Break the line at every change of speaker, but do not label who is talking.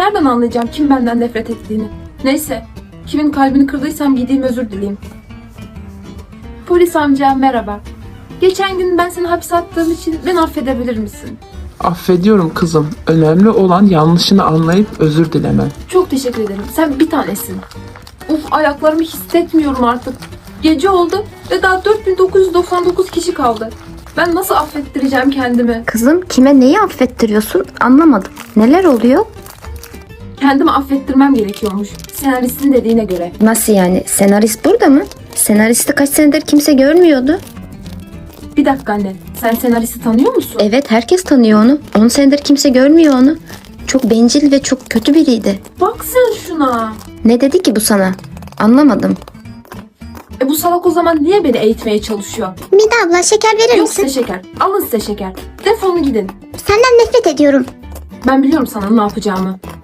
nereden anlayacağım kim benden nefret ettiğini? Neyse, kimin kalbini kırdıysam gideyim özür dileyim. Polis amca merhaba. Geçen gün ben seni hapse attığım için beni affedebilir misin?
Affediyorum kızım. Önemli olan yanlışını anlayıp özür dilemen.
Çok teşekkür ederim. Sen bir tanesin. Uf, ayaklarımı hissetmiyorum artık. Gece oldu ve daha 4999 kişi kaldı. Ben nasıl affettireceğim kendimi?
Kızım kime neyi affettiriyorsun anlamadım. Neler oluyor?
Kendimi affettirmem gerekiyormuş. Senaristin dediğine göre.
Nasıl yani? Senarist burada mı? Senaristi kaç senedir kimse görmüyordu.
Bir dakika anne. Sen senaristi tanıyor musun?
Evet herkes tanıyor onu. 10 senedir kimse görmüyor onu. Çok bencil ve çok kötü biriydi.
Bak sen şuna.
Ne dedi ki bu sana? Anlamadım.
Bu salak o zaman niye beni eğitmeye çalışıyor?
Mida abla şeker verir
Yok
misin?
size şeker. Alın size şeker. Defolun gidin.
Senden nefret ediyorum.
Ben biliyorum sana ne yapacağımı.